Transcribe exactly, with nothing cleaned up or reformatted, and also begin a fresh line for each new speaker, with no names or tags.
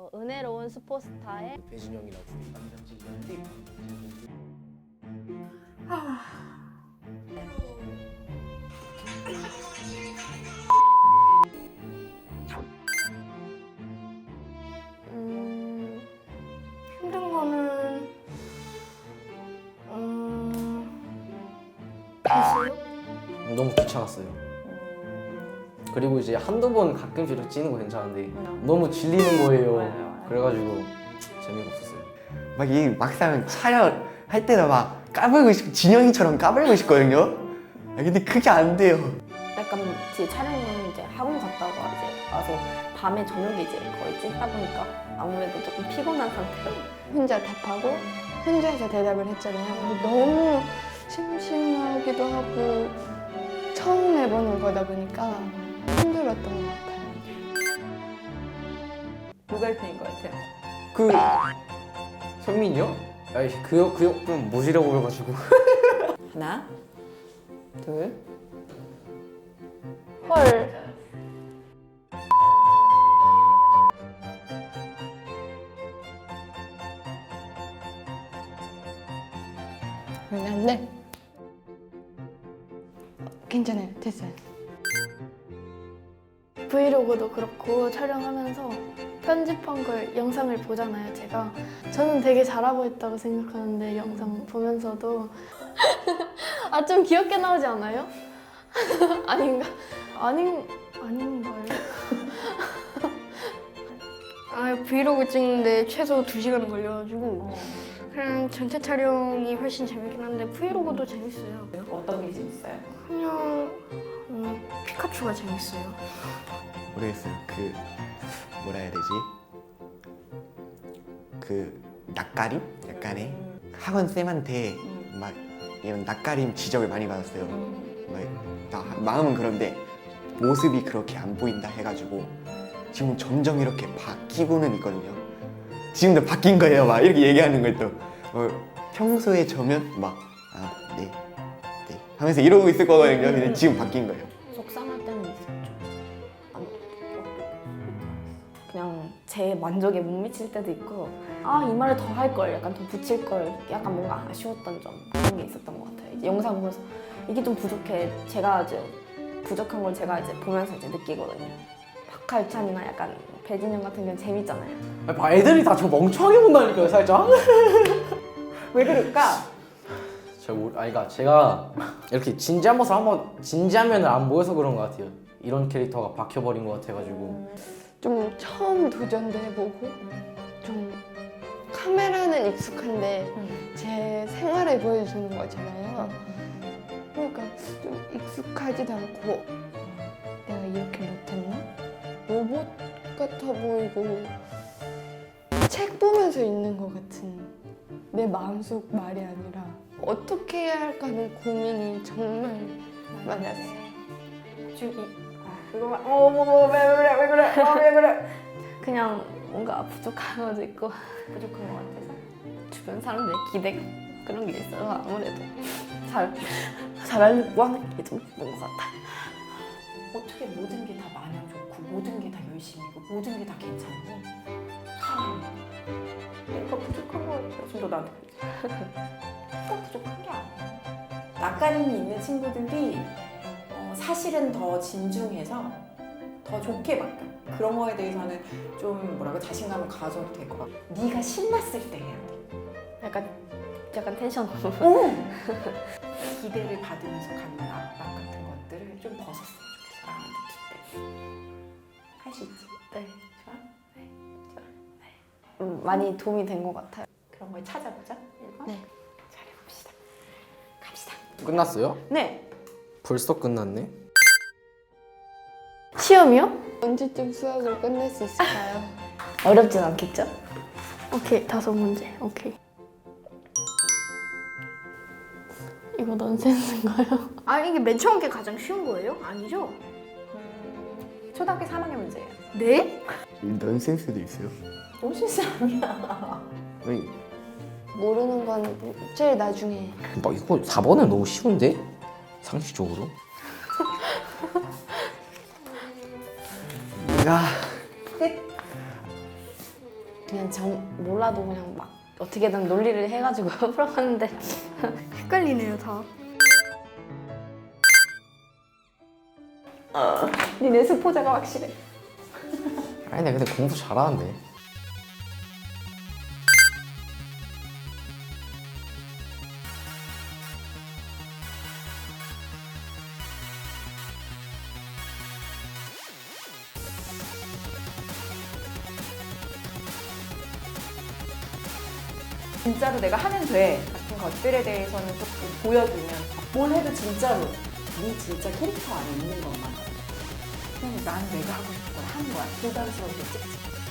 은혜로운 스포스타의
배진영이라고
음, 힘든 거는 음, 있어요?
너무 귀찮았어요. 그리고 이제 한두 번 가끔씩 이렇게 찌는 거 괜찮은데 너무 질리는 거예요. 그래가지고 재미가 없었어요.
막 이 막상 촬영할 때도 막 까불고 싶고 진영이처럼 까불고 싶거든요. 아, 근데 그게 안 돼요.
약간 제 촬영은 이제 학원 갔다가 이제 와서 밤에 저녁에 이제 거의 찍다 보니까 아무래도 조금 피곤한 상태로
혼자 답하고 혼자서 대답을 했잖아요. 근데 너무 심심하기도 하고 처음 해보는 거다 보니까 힘들었던 것 같아요.
누가 일 등인 것 같아요?
그 현민이요? 아이 그요 그요 좀 모시려고 해가지고.
하나, 둘,
헐. 그러면 안 돼. 괜찮아요. 됐어요.
브이로그도 그렇고 촬영하면서 편집한 걸 영상을 보잖아요, 제가. 저는 되게 잘하고 있다고 생각하는데 영상 보면서도 아, 좀 귀엽게 나오지 않아요? 아닌가? 아닌, 아닌가요?
아, 브이로그 찍는데 최소 두 시간 걸려가지고 그냥 전체 촬영이 훨씬 재밌긴 한데 브이로그도 재밌어요.
어떤 게 재밌어요?
그냥 음, 피카츄가 재밌어요.
모르겠어요. 그 뭐라 해야 되지? 그 낯가림? 약간의 학원 쌤한테 막 이런 낯가림 지적을 많이 받았어요. 막, 나 마음은 그런데 모습이 그렇게 안 보인다 해가지고 지금 점점 이렇게 바뀌고는 있거든요. 지금도 바뀐 거예요. 막 이렇게 얘기하는 걸 또 어, 평소에 저면 막 아, 네, 네 하면서 이러고 있을 거거든요. 근데 지금 바뀐 거예요.
속상할 때는 있었죠. 안- 그냥 제 만족에 못 미칠 때도 있고 아, 이 말을 더 할 걸, 약간 더 붙일 걸, 약간 뭔가 아쉬웠던 점 그런 게 있었던 것 같아요. 이제 영상 보면서 이게 좀 부족해. 제가 이제 부족한 걸 제가 이제 보면서 이제 느끼거든요. 박하유찬이나 약간 배진영 같은 경우는 재밌잖아요.
아, 애들이 다 저 멍청하게 본다니까요, 살짝.
왜 그럴까?
제가 모르, 아니 그러니까 제가 이렇게 진지한 모습 한번 진지한 면을 안 보여서 그런 것 같아요. 이런 캐릭터가 박혀버린 것 같아가지고.
좀 처음 도전도 해보고 좀 카메라는 익숙한데 제 생활을 보여주는 거잖아요. 그러니까 좀 익숙하지도 않고 내가 이렇게 못했나? 로봇 같아 보이고 책 보면서 있는 것 같은 내 마음속 말이 아니라 어떻게 해야 할까 하는 고민이 정말 많았어요.
저기 아, 그거만 어머머왜 그래 왜 그래 어, 왜 그래 그냥 뭔가 부족한 것도 있고 부족한 것 같아서 주변 사람들의 기대 그런 게 있어서 아무래도 잘 잘하려고 하는 게 좀 있는 것 같아요.
어떻게 모든 게 다 마냥 좋고 모든 게 다 열심이고 모든 게 다 괜찮니? 참
내가 부족한 것 같아요. 좀 더 나한테
그거 부족한 게 아니야. 낯가림이 있는 친구들이 어, 사실은 더 진중해서 더 좋게 바뀌어. 그런 거에 대해서는 좀 뭐라고 자신감을 가져도 될 것 같아. 네가 신났을 때 해야 돼.
약간 약간 텐션
오! 기대를 받으면서 갖는 압박 같은 것들을 좀 벗었으면 좋겠어. 나한테 줄 때. 할 수 있지?
네.
좋아?
음, 많이 도움이 된 것 같아요.
그런 걸 찾아보자. 이거?
네.
잘해봅시다. 갑시다.
끝났어요?
네.
벌써 끝났네?
시험이요?
언제쯤 수학을 끝낼 수 있을까요?
어렵진 않겠죠?
오케이, 다섯 문제. 오케이. 이거 넌센스인가요?
아, 이게 맨 처음 게 가장 쉬운 거예요? 아니죠?
음, 초등학교 삼 학년 문제예요.
네?
넌센스도 있어요.
넌센스 아니야.
아니,
모르는 건 제일 나중에.
막 이거 사 번은 너무 쉬운데? 상식적으로?
아,
그냥 정 몰라도 그냥 막 어떻게든 논리를 해가지고 풀어가는데
헷갈리네요 다.
니네 스포자가 확실해.
아니 근데 공부 잘하는데.
진짜로 내가 하면 돼 같은 것들에 대해서는 조금 보여주면 뭘 해도 진짜로 네 진짜 캐릭터 안에 있는 것만 그냥 나는 내가 하고 싶은 걸 하는 거야. 부담스러운데 찍찍